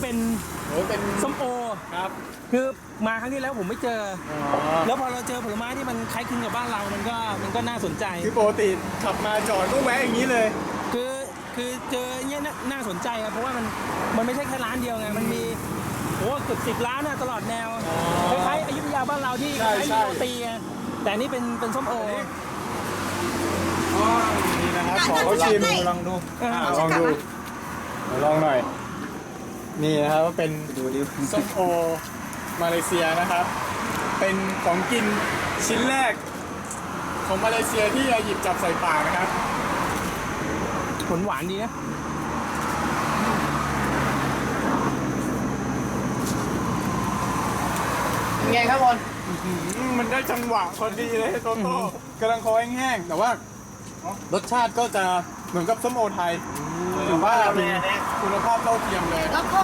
เป็นส้มโอครับคือมาครั้งที่แล้วผมไม่เจอแล้วพอเราเจอผลไม้ที่มันคล้ายคลึงกับบ้านเรามันก็น่าสนใจคือปกติขับมาจอดก็แวะอย่างนี้เลยคือเจออย่างเงี้ยน่าสนใจครับเพราะว่ามันไม่ใช่แค่ร้านเดียวไงมันมีโอ้เกือบ10 ร้านตลอดแนวคล้ายๆอยุธยาบ้านเราที่คล้ายๆโรตีไงแต่อันนี่เป็นส้มโอนี่นะครับขอเขาชิมลองดูลองดูลองหน่อยนี่นะครับว่าเป็นส้มโอมาเลเซียนะครับ เป็นของกินชิ้นแรกของมาเลเซียที่หยิบจับใส่ปากนะครับผลหวานดีนะไงครับบอลมันได้จังหวะพอดีเลยโตโต้กำลังคอแห้งๆแต่ว่ารสชาติก็จะเหมือนกับส้มโอไทยถือว่าคุณภาพเท่าเทียมเลย